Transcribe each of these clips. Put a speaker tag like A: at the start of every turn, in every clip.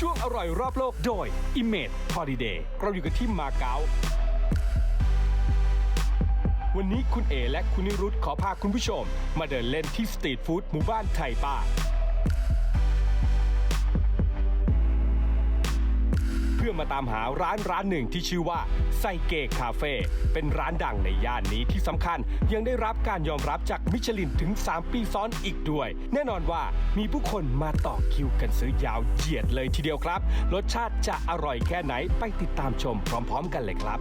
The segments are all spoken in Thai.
A: ช่วงอร่อยรอบโลกโดย Image Holiday เราอยู่กันที่มาเก๊าวันนี้คุณเอและคุณนิรุตขอพาคุณผู้ชมมาเดินเล่นที่สตรีทฟู้ดหมู่บ้านไทป้าเพื่อมาตามหาร้านหนึ่งที่ชื่อว่าไซเกะคาเฟ่เป็นร้านดังในย่านนี้ที่สำคัญยังได้รับการยอมรับจากมิชลินถึง3 ปีซ้อนอีกด้วยแน่นอนว่ามีผู้คนมาต่อคิวกันซื้อยาวเหยียดเลยทีเดียวครับรสชาติจะอร่อยแค่ไหนไปติดตามชมพร้อมๆกันเลยครับ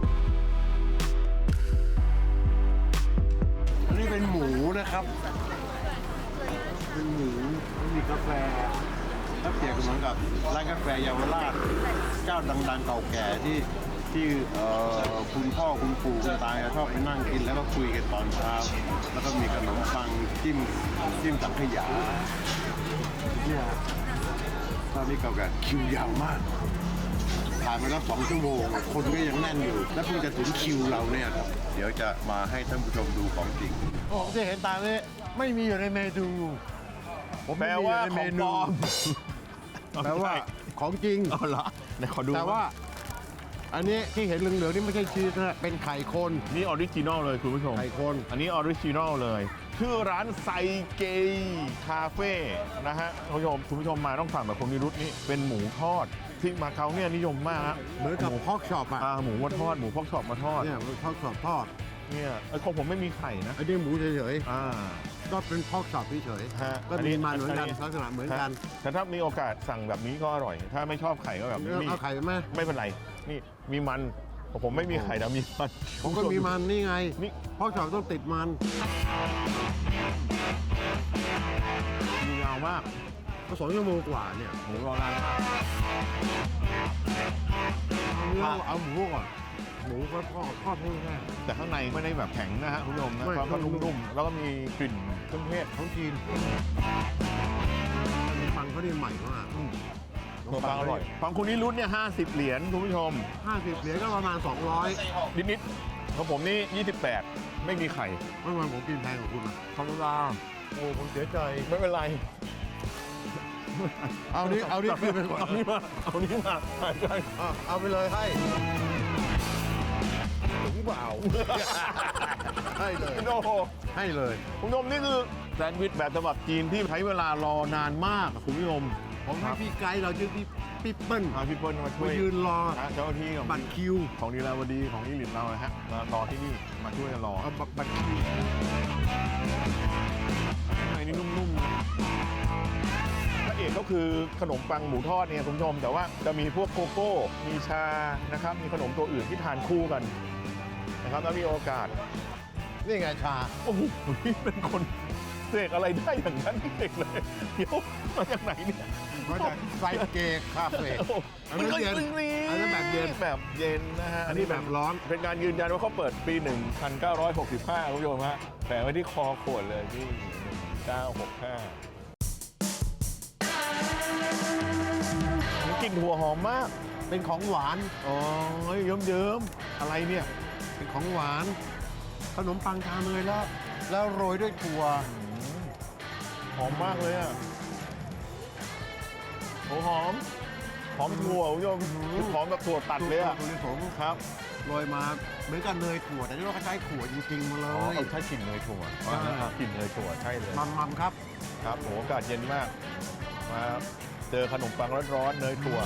B: อันนี้เป็นหมูนะครับเป็นหมูมีกาแฟถ้าเปรียบเหมือนกับร้านกาแฟเยาวราชเจ้าดังๆเก่าแก่ที่คุณพ่อคุณปู่คุณตาชอบไปนั่งกินแล้วก็คุยกันตอนเช้าแล้วก็มีขนมปังจิ้มสังขยาเนี่ยตอนนี้เก่าแก่คิวยาวมากผ่านมาแล้ว2 ชั่วโมงคนก็ยังแน่นอยู่และเพิ่งจะถึงคิวเราเนี่ยครับเดี๋ยวจะมาให้ท่านผู้ชมดูของจริงผมจะเห็นตามนี้ไม่มีอยู่ในเมนูผมแปลว่าของปลอมแปลว่าของจริง
C: เอาเหรอไหนขอดู
B: แต่ว่าอันนี้ที่เห็นเหลืองๆนี่ไม่ใช่ชีสนะเป็นไข่คน
C: นี่ออริจินอลเลยคุณผู้ชม
B: ไข่คน
C: อันนี้ออริจินอลเลยชื่อร้านไซเกะคาเฟ่นะฮะคุณผู้ชมมาต้องสั่งแบบคนนิรุตนี่เป็นหมูทอดที่มาเก๊าเนี่ยนิยมมาก
B: เหมือนกับพอกช็อปอ่ะ
C: หมูมาทอดหมูพอกช็อปมาทอด
B: เนี่ยพอกช็อปทอด
C: เนี่ยของผมไม่มีไข่นะ
B: ไอ้นี่หมูเฉยๆก็เป็นพอกช็อปเฉยๆก็มีมันเหมือนกันลักษณะเหมือนกัน
C: แต่ถ้ามีโอกาสสั่งแบบนี้ก็อร่อยถ้าไม่ชอบไข่ก็แบบนี้
B: เอาไข่ไหม
C: ไม่เป็นไรนี่มีมันผมไม่มีไข่แต่มีมัน
B: ผมก็มีมันนี่ไงนี่พอกช็อปต้องติดมัน
C: มียาวมาก
B: ก็2 ชั่วโมงกว่าเนี่ย
C: หมูรอนานมาก
B: เอาหมูก่อนหมูก็ทอดให้แห้ง
C: แต่ข้างในไม่ได้แบบแข็งนะฮะคุณผู้ชมนะก็นุ่มๆแล้วก็มีกลิ่นเครื่องเทศ
B: ของจีนปังเขาดีใหม่มาก
C: ปังอร่อยของคุณนิรุตเนี่ย50 เหรียญคุณผู้ชม
B: 50 เหรียญก็ประมาณ200
C: นิดๆของผมนี่28ไม่มีไข่
B: ไม่ว่าผมกินแพงกว่าคุณนะ
C: ธรรมดา
B: โอ้ผมเสียใจ
C: ไม่เป็นไร
B: เอานี่คือไปก่อน
C: เอานี่มาใช่
B: เอาไปเลยให้ถึงเปล่าให้เลย
C: โอ้โห
B: ให้เลย
C: คุณผู้ชมนี่คือแซนด์วิชแบบฉบับจีนที่ใช้เวลารอนานมากคุณผู้ชม
B: ผมให้พี่ไกด์เราชื่อพี่เปิ้ล
C: พี่เปิ้ลมาช่วย
B: ยืนรอ
C: เจ้าหน้าที่
B: บัตรคิว
C: ของดีลาวดีของนิริตเรานะฮะรอที่นี่มาช่วยรอ
B: บัตรคิว
C: ไอ้นี่นุ่มๆพระเอกก็คือขนมปังหมูทอดเนี่ยคุณผู้ชมแต่ว่าจะมีพวกโกโก้มีชานะครับมีขนมตัวอื่นที่ทานคู่กันนะครับแล้วมีโอกาส
B: นี่ไงชา
C: โอ้โหนี่เป็นคนเสกอะไรได้อย่างนั้นเด็กเลยเดี๋ยวมาจากไหนเนี่ย
B: มาจากไซเกะคาเฟ่
C: อันนี้เย็น
B: อันนี้แบบเ
C: ย็นนะฮะ
B: อันนี้แบบร้อน
C: เป็นการยืนยันว่าเขาเปิดปี 1965คุณผู้ชมฮะแฝงไว้ที่คอขวดเลยที่1965กลิ่นหัวหอมมาก
B: เป็นของหวาน
C: อ๋อเยิ้มอะไรเนี่ย
B: เป็นของหวานขนมปังทาเนยแล้วโรยด้วยถั่ว
C: หอมมากเลยอ่ะหอมถั่วคุณผู้ชมหอมแบบถั่วตัดเลยอ่ะ
B: ถั่วลิสง
C: ครับ
B: โรยมาเหมือนกันเนยถั่วแต่นี่เราก็ใช้ถั่วจริงๆมาเลย
C: ใช้กลิ่นเนยถั่วกลิ่นเนยถั่วใช่เลย
B: มัมครับ
C: ครับโหอากาศเย็นมากมาเจอขนมปังร้อนๆเนยถั่ว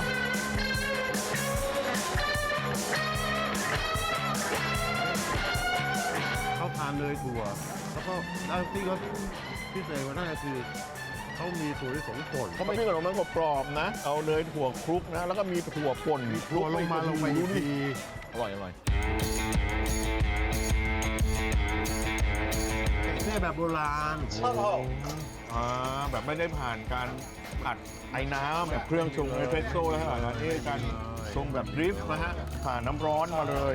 B: เขาทานเนยถั่วแล้วก็ที่เขาพิเศษกว่านั้นคือเขามีถั่วลิสงป่น
C: เขาไม่ใช่ขนมปังกรอบๆนะเอาเนยถั่วคลุกนะแล้วก็มีถั่วป่น
B: คลุกลงมา
C: ดีอร่อย
B: เนี่ยแบบโบราณ
C: แบบไม่ได้ผ่านการผัดไอ้น้ำแบบเครื่องชงเอสเปรสโซ่แล้วนะนี่การชงแบบดริฟต์นะฮะผ่านน้ำร้อนมาเลย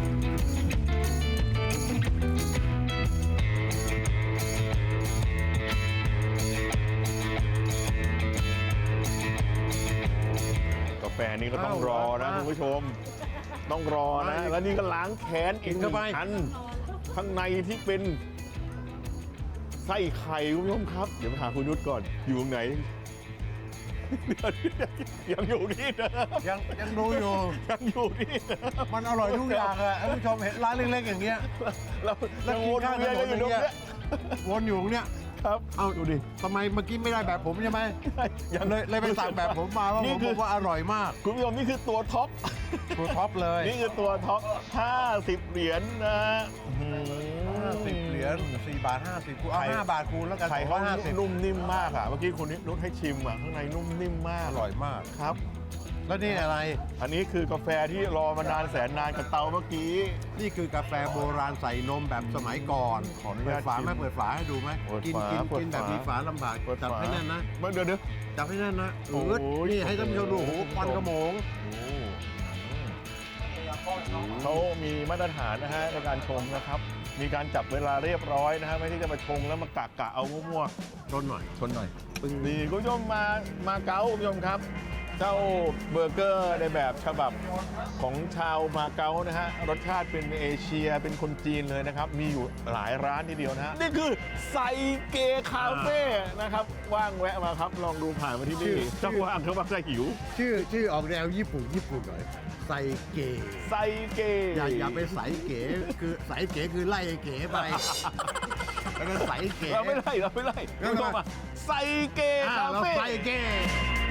C: กาแฟนี้ก็ต้องรอนะคุณผู้ชมต้องรอนะแล้วนี่ก็ล้างแค้นอีกอันข้างในที่เป็นไส้ไข่คุณผู้ชมครับเดี๋ยวไปหาคุณนุชก่อนอยู่ตรงไหนยังอยู่ที่เดิม
B: ยังดูอยู่
C: ยังอยู่ที่เดิม
B: มันอร่อยทุกอย่างอะท่านผู้ชมเห็นร้านเล็กๆอย่างเงี้ย
C: แล้ว
B: แล้ว
C: ยัง
B: กิ
C: วน น
B: ข้างถ
C: เวียน
B: น
C: กัน
B: น
C: อยู่
B: อย่าง
C: ตรง
B: เงี้ย
C: เนี้ย
B: วนอยู่เนี่ย
C: ครับ
B: เอาดูดิทำไมเมื่อกี้ไม่ได้แบบผมใช่ไหม
C: ยัง
B: เลยไปสั่งแบบผมมาว่า
C: นี่
B: ผม
C: คื
B: บ
C: อ
B: อกว่าอร่อยมาก
C: คุณผู้ชมนี่คือตัวท็อป
B: ตัวท็อปเลย
C: นี่คือตัวท็อป 50 เหรียญนะอื้อหือ
B: 50 เหรียญ4 บาท 50คูณเอา
C: ไข่
B: 5 บาทคูณแล้วกัน
C: ไข่เขา
B: 250
C: นุ่มนิ่มมากอ่ะ เมื่อกี้คุณนุชให้ชิมอ่ะ ข้างในนุ่มนิ่มมาก
B: อร่อยมาก
C: ครับ
B: แล้วนี่อะไร
C: อันนี้คือกาแฟที่รอมานานแสนนานกับเตาเมื่อกี้
B: นี่คือกาแฟโบราณใส่นมแบบสมัยก่อน
C: ขออนุ
B: เปิ
C: ญา
B: ด
C: ต
B: ฝาไหม
C: ชิม
B: เปิดฝาให้ดูไหม
C: เปิด
B: กิน
C: ฝา
B: กิน
C: เปิด
B: กินแบบ
C: ฝามี
B: มีฝาลำบาก
C: เปิด
B: จับ
C: ฝา
B: ให้แน่นนะ
C: เดี๋ยว
B: จับให้แน่นนะ
C: โอ้
B: อืด
C: ย
B: นี่ให้ท่านผู้ชมดูโอ้โหควันกระโมง
C: เขามีมาตรฐานนะฮะในการชงนะครับ มีการจับเวลาเรียบร้อยนะฮะไม่ใช่จะมาชงแล้วมากะเอามั่ว
B: ชนหน่อยชนหน่อย
C: ๆนี่คุณผู้ชมมาเก๊าคุณผู้ชมครับ เจ้าเบอร์เกอร์ในแบบฉบับของชาวมาเก๊านะฮะรสชาติเป็นเอเชียเป็นคนจีนเลยนะครับ มีอยู่หลายร้านทีเดียวนะฮะนี่คือไซเกคาเฟ่นะครับว่างแวะมาครับลองดูผ่านมาที่นี่เจ้าว่างเขาบักใจหิว
B: ชื่อออกแนวญี่ปุ่นหน่อยไซเก๋
C: ไซเก
B: อย่าไปใสเก๋คือใสเก๋คือไล่ไอ้เก๋ไปแล้วก็ใสเก๋
C: เราไม่ไล่คุณผู้ชมอะไซเกคา
B: เรา
C: เฟ่
B: ไซเก๋